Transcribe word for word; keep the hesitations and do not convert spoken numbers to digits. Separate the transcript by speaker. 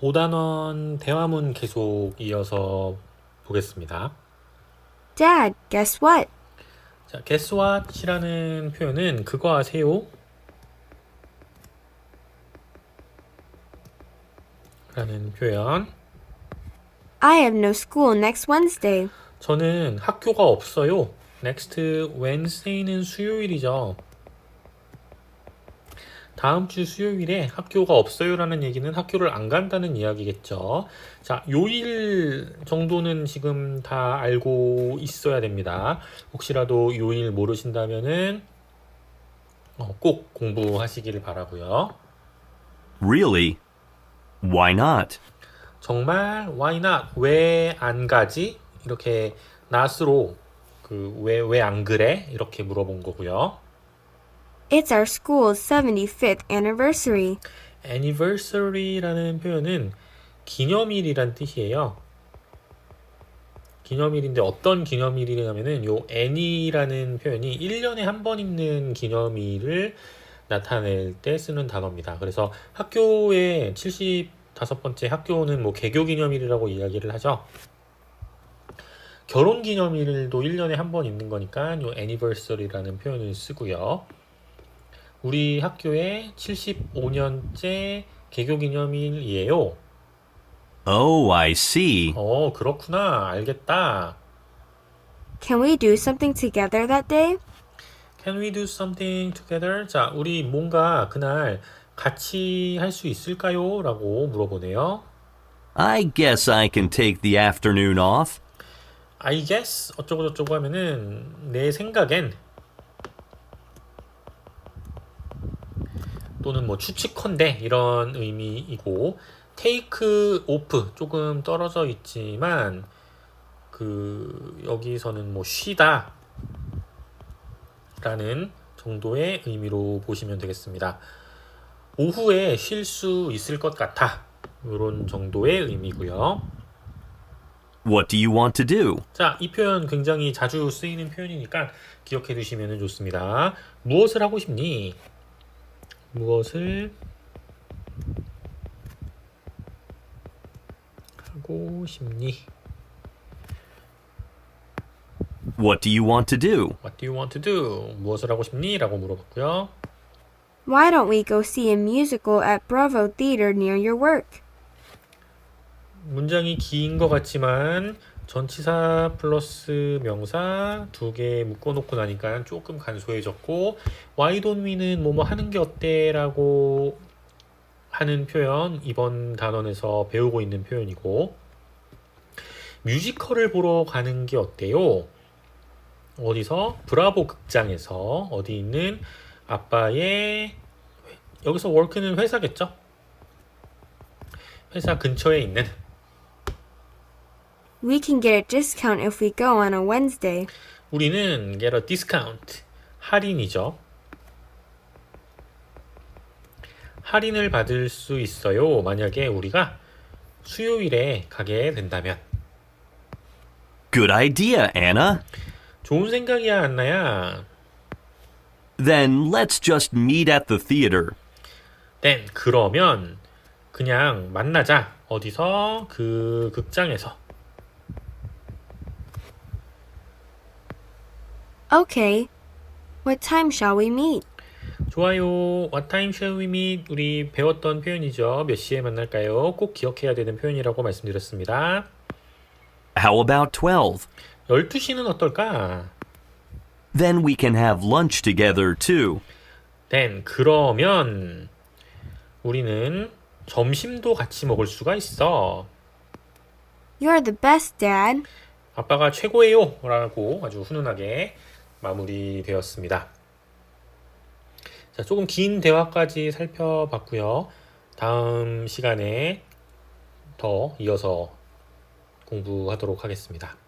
Speaker 1: 오 단원 대화문 계속 이어서 보겠습니다.
Speaker 2: Dad, guess what?
Speaker 1: 자, guess what이라는 표현은 그거 아세요? 라는 표현.
Speaker 2: I have no school next Wednesday.
Speaker 1: 저는 학교가 없어요. next Wednesday는 수요일이죠. 다음 주 수요일에 학교가 없어요라는 얘기는 학교를 안 간다는 이야기겠죠. 자, 요일 정도는 지금 다 알고 있어야 됩니다. 혹시라도 요일 모르신다면은 어, 꼭 공부하시기를 바라고요.
Speaker 3: Really? Why not?
Speaker 1: 정말 why not? 왜 안 가지? 이렇게 not으로 그 왜 왜 안 그래? 이렇게 물어본 거고요.
Speaker 2: It's our school's seventy-fifth anniversary.
Speaker 1: anniversary라는 표현은 기념일이란 뜻이에요. 기념일인데 어떤 기념일이냐면은 요 anni라는 표현이 일 년에 한 번 있는 기념일을 나타낼 때 쓰는 단어입니다. 그래서 학교의 칠십오 번째 학교는 뭐 개교 기념일이라고 이야기를 하죠. 결혼 기념일도 일 년에 한 번 있는 거니까 요 anniversary라는 표현을 쓰고요. 우리 학교의 칠십오 년째 개교 기념일이에요.
Speaker 3: Oh, I see.
Speaker 1: 어, 그렇구나. 알겠다.
Speaker 2: Can we do something together that day?
Speaker 1: Can we do something together? 자, 우리 뭔가 그날 같이 할 수 있을까요? 라고 물어보네요.
Speaker 3: I guess I can take the afternoon off.
Speaker 1: I guess 어쩌고저쩌고 하면은 내 생각엔 또는 뭐 추측컨대 이런 의미이고 take off 조금 떨어져 있지만 그 여기서는 뭐 쉬다 라는 정도의 의미로 보시면 되겠습니다. 오후에 쉴 수 있을 것 같아 이런 정도의 의미고요.
Speaker 3: What do you want to do?
Speaker 1: 자, 이 표현 굉장히 자주 쓰이는 표현이니까 기억해 두시면 좋습니다. 무엇을 하고 싶니? 무엇을 하고 싶니?
Speaker 3: What do you want to do?
Speaker 1: What do you want to do? 무엇을 하고 싶니? 라고 물어봤고요.
Speaker 2: Why don't we go see a musical at Bravo Theater near your work?
Speaker 1: 문장이 긴 것 같지만 전치사 플러스 명사 두 개 묶어놓고 나니까 조금 간소해졌고 Why don't we는 뭐뭐 하는 게 어때? 라고 하는 표현 이번 단원에서 배우고 있는 표현이고 뮤지컬을 보러 가는 게 어때요? 어디서? 브라보 극장에서 어디 있는 아빠의 여기서 work는 회사겠죠? 회사 근처에 있는
Speaker 2: We can get a discount if we go on a Wednesday.
Speaker 1: 우리는 get a discount 할인이죠. 할인을 받을 수 있어요. 만약에 우리가 수요일에 가게 된다면.
Speaker 3: Good idea, Anna.
Speaker 1: 좋은 생각이야, 안나야.
Speaker 3: Then let's just meet at the theater.
Speaker 1: then 그러면 그냥 만나자. 어디서? 그 극장에서.
Speaker 2: Okay. What time shall we meet?
Speaker 1: 좋아요. What time shall we meet? 우리 배웠던 표현이죠. 몇 시에 만날까요? 꼭 기억해야 되는 표현이라고 말씀드렸습니다.
Speaker 3: How about twelve?
Speaker 1: 열두 시는 어떨까?
Speaker 3: Then we can have lunch together too.
Speaker 1: then 그러면 우리는 점심도 같이 먹을 수가 있어.
Speaker 2: You're the best, Dad.
Speaker 1: 아빠가 최고예요. 라고 아주 훈훈하게 마무리되었습니다. 자, 조금 긴 대화까지 살펴봤고요. 다음 시간에 더 이어서 공부하도록 하겠습니다.